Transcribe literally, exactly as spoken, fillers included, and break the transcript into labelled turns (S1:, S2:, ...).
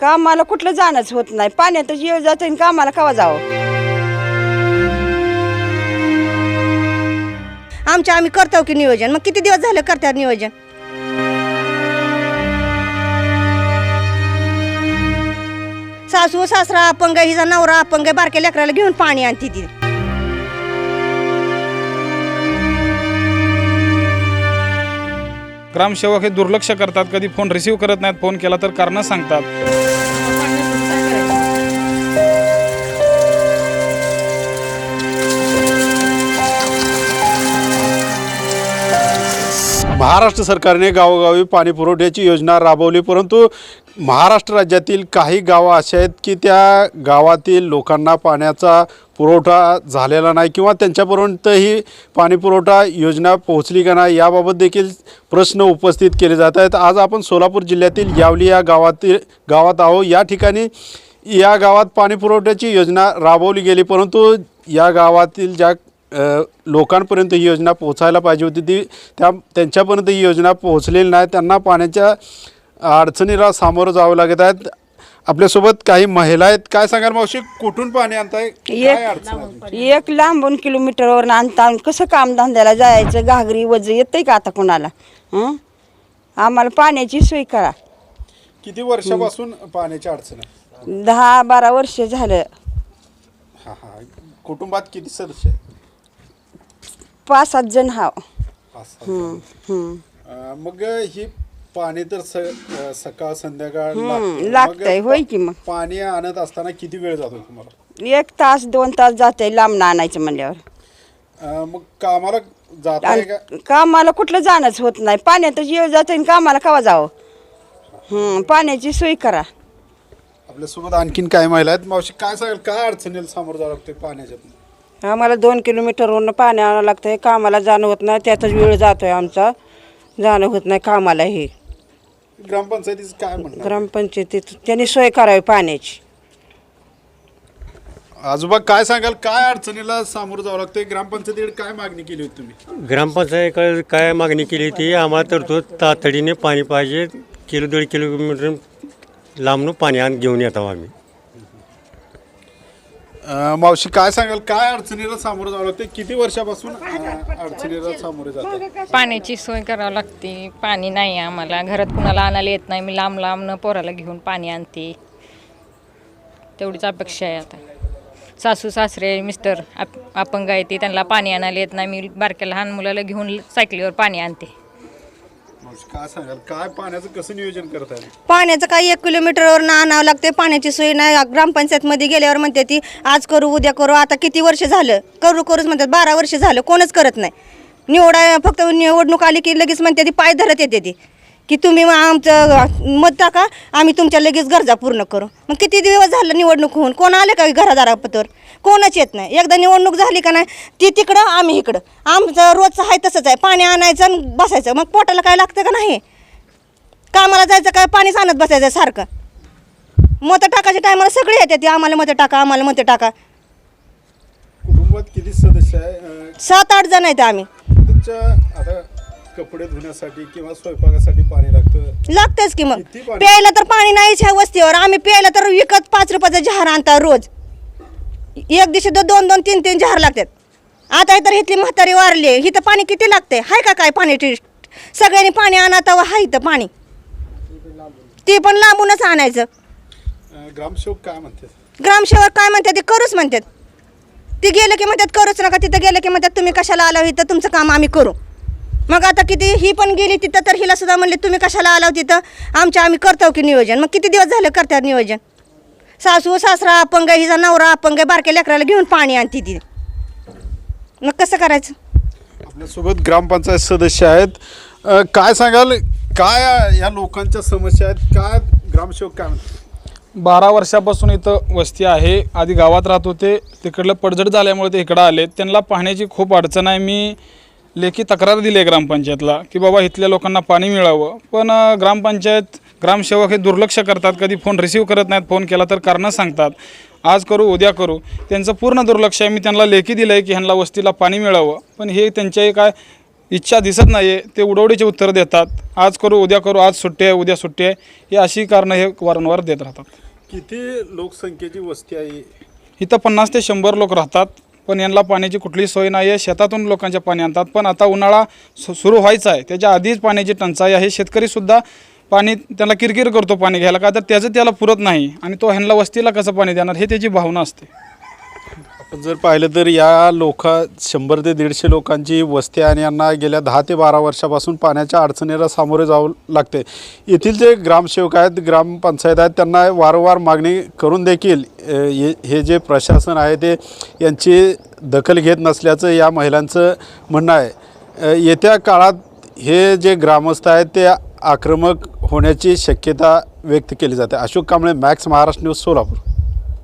S1: कामाला कुठलं जाणंच होत नाही, पाण्यातच येऊ जातं आणि कामाला केव्हा जावं.
S2: आमच्या आम्ही करतो की नियोजन, मग किती दिवस झालं करतात नियोजन. सासू सासरा अपंग, हिचा नवरा अपंग, बारक्या लेकराला घेऊन पाणी आणते ती.
S3: ग्रामसेवक हे दुर्लक्ष करतात, कधी फोन रिसीव्ह करत नाहीत, फोन केला तर कारणं सांगतात.
S4: महाराष्ट्र सरकारने गावोगावी पाणी पुरवठ्याची योजना राबवली, परंतु महाराष्ट्र राज्यातील काही गावं अशी आहेत की त्या गावातील लोकांना पाण्याचा पुरवठा झालेला नाही किंवा त्यांच्यापर्यंत ही पाणी पुरवठा योजना पोहोचली का नाही याबाबत देखील प्रश्न उपस्थित केले जात आहेत. आज आपण सोलापूर जिल्ह्यातील यावली या गावातील गावात आहोत. या ठिकाणी या गावात पाणी पुरवठ्याची योजना राबवली गेली, परंतु या गावातील ज्या लोकांपर्यंत ही योजना पोहोचायला पाहिजे होती ती त्या त्यांच्यापर्यंत ही योजना पोहोचलेली नाही. त्यांना पाण्याच्या अडचणीला सामोरं जावं लागत आहेत. आपल्यासोबत काही महिला आहेत. काय सांगाल मावशी, कुठून पाणी आणताय, काय अडचण आहे?
S1: एक लांबून किलोमीटरवर आणता, कसं काम धंद्याला जायचं, घागरी वज येतंय का आता कोणाला. हं आम्हाला पाण्याची सोय करा.
S4: किती वर्षापासून पाण्याची अडचण आहे?
S1: दहा बारा वर्ष झालं.
S4: हां हां कुटुंबात किती सदस्य आहेत?
S1: पाच सात जण हाव.
S4: पाच सहा जण. अं, मग ही पाणी तर स अं, सकाळ संध्याकाळ लागतं.
S1: लागतंय,
S4: मग
S1: होय की. मग
S4: पाणी आणत असताना किती वेळ जातो तुम्हाला?
S1: एक तास दोन तास जाते लांब आणायचं म्हणल्यावर.
S4: अं, मग कामाला जाताय का?
S1: आणि कामाला कुठलं जाणंच होत नाही, पाण्यातच येऊ जातं आणि कामाला केव्हा जावं. हं पाण्याची सोय करा.
S4: आपल्यासोबत आणखीन काय महिला आहेत. मावशी काय सांगाल, काय अडचणीला सामोरं जावं लागतं पाण्याच्यातून?
S5: आम्हाला दोन किलोमीटरवरून पाणी आणावं लागतं आहे, कामाला जाणं होत नाही, त्यातच वेळ जातो आहे आमचा, जाणं होत नाही कामाला. हे
S4: ग्रामपंचायतीचं काय म्हणणं?
S5: ग्रामपंचायतीत त्यांनी सोय करावी पाण्याची.
S4: आजोबा काय सांगाल, काय अडचणीला सामोरं जावं लागतं? ग्रामपंचायतीकडे काय मागणी केली होती तुम्ही?
S6: ग्रामपंचायतीकडे काय मागणी केली होती, आम्हाला तर तो तातडीने पाणी पाहिजे, किलो दीड किलोमीटर लांबून पाणी आण घेऊन येतो आम्ही.
S4: अं, मावशी काय सांगाल, काय अडचणीला सामोरं जावं लागतं? किती वर्षापासून अं, अडचणीला सामोरे जातात?
S7: पाण्याची सोय करावी लागते. पाणी नाही आम्हाला, घरात कुणाला आणायला येत नाही, मी लांब लांबनं पोराला घेऊन पाणी आणते, तेवढीच अपेक्षा आहे. आता सासू सासरे मिस्टर आप अपंग आहे ते, त्यांना पाणी आणायला येत नाही, मी बारक्या लहान मुलाला घेऊन सायकलीवर पाणी आणते.
S4: मावशी काय सांगाल, काय पाण्याचं कसं नियोजन करत आहे?
S2: पाण्याचं काही एक किलोमीटरवर आणावं लागते, पाण्याची सोय नाही. ग्रामपंचायतमध्ये गेल्यावर म्हणते ती आज करू उद्या करू. आता किती वर्ष झालं करू करूच म्हणतात, बारा वर्ष झालं कोणच करत नाही. निवडा फक्त निवडणूक आली की लगेच म्हणते ती पाय धरत येते ती की तुम्ही आमचं मत टाका, आम्ही तुमच्या लगेच गरजा पूर्ण करू. मग किती दिवस झालं निवडणूक होऊन, कोण आले का घरादारापतर? कोणच येत नाही. एकदा निवडणूक झाली का नाही, ती तिकडं आम्ही इकडं. आमचं रोजचं आहे तसंच आहे, पाणी आणायचं आणि बसायचं. मग पोटाला काय लागतं का नाही? कामाला जायचं काय, पाणीच आणत बसायचं सारखं. मतं टाकायच्या टायमाला सगळे येते ती आम्हाला मतं टाका, आम्हाला मतं टाका.
S4: कुटुंबात किती सदस्य आहे? अं,
S2: सात आठ जण आहेत आम्ही.
S4: तुमच्या आता कपडे धुण्यासाठी किंवा स्वयंपाकासाठी पाणी लागतं,
S2: लागतंच की. मग
S4: किती पाणी?
S2: प्यायला तर पाणी नाहीच ह्या वस्तीवर. आम्ही प्यायला तर विकत पाच रुपयाचा जहार आणता रोज. एक दिवशी तर दोन दोन तीन तीन जहार लागतात. आता तर इथली म्हातारी वारली, इथं पाणी किती लागते? हाय का काय पाणी? टेस्ट सगळ्यांनी पाणी आणा तेव्हा हाय इथं पाणी, ते पण लांबूनच आणायचं.
S4: अं, ग्रामसेवक काय म्हणतात?
S2: ग्रामसेवक काय म्हणतात ते करूच म्हणतात. ती गेलं की म्हणतात करूच नका, तिथं गेलं की म्हणतात तुम्ही कशाला आला इथं, तुमचं काम आम्ही करू. मग आता किती ही पण गेली तिथं, तर हिला सुद्धा म्हणले तुम्ही कशाला आला तिथं, आमच्या आम्ही करतो की नियोजन. मग किती दिवस झालं करतात नियोजन. सासू सासरा अपंग, हिचा नवरा अपंग, बारक्या लेकराला घेऊन पाणी आणते ती. मग कसं करायचं?
S4: आपल्यासोबत ग्रामपंचायत सदस्य आहेत. अं, काय सांगाल, काय या लोकांच्या समस्या आहेत, काय ग्रामसेवक काय म्हणतात?
S3: बारा वर्षापासून इथं वस्ती आहे. आधी गावात राहत होते, तिकडलं पडझड झाल्यामुळे ते इकडं आले. त्यांना पाण्याची खूप अडचण आहे. मी लेखी तक्रार दिली आहे ग्रामपंचायतला की बाबा इथल्या लोकांना पाणी मिळावं, पण ग्रामपंचायत ग्रामसेवक हे दुर्लक्ष करतात, कधी फोन रिसीव्ह करत नाहीत, फोन केला तर कारणं सांगतात. आज करू उद्या करू, त्यांचं पूर्ण दुर्लक्ष आहे. मी त्यांना लेखी दिलं आहे की ह्यांना वस्तीला पाणी मिळावं, पण हे त्यांच्याही काय इच्छा दिसत नाही आहे, ते उडवडीचे उत्तर देतात. आज करू उद्या करू, आज सुट्टी आहे उद्या सुट्टी आहे, ही अशी कारणं हे वारंवार देत राहतात.
S4: किती लोकसंख्येची वस्ती आहे?
S3: इथं पन्नास ते शंभर लोक राहतात, पण यांना पाण्याची कुठलीही सोय नाही आहे. शेतातून लोकांचे पाणी आणतात, पण आता उन्हाळा सु सुरू व्हायचा आहे, त्याच्या आधीच पाण्याची टंचाई आहे. शेतकरीसुद्धा पाणी त्याला किरकिर करतो पाणी घ्यायला, का तर त्याचं त्याला पुरत नाही आणि तो ह्यांना वस्तीला कसं पाणी देणार हे त्याची भावना असते.
S4: आपण जर पाहिलं तर या लोक शंभर ते दीडशे लोकांची वस्ती आहे आणि यांना गेल्या दहा ते बारा वर्षापासून पाण्याच्या अडचणीला सामोरे जावं लागते. येथील जे ग्रामसेवक आहेत, ग्रामपंचायत आहेत, त्यांना वारंवार मागणी करून देखील हे जे प्रशासन आहे ते यांची दखल घेत नसल्याचं या महिलांचं म्हणणं आहे. येत्या काळात हे जे ग्रामस्थ आहेत ते आक्रमक होण्याची शक्यता व्यक्त केली जाते. Ashok Kamble, max Maharashtra news, Solapur.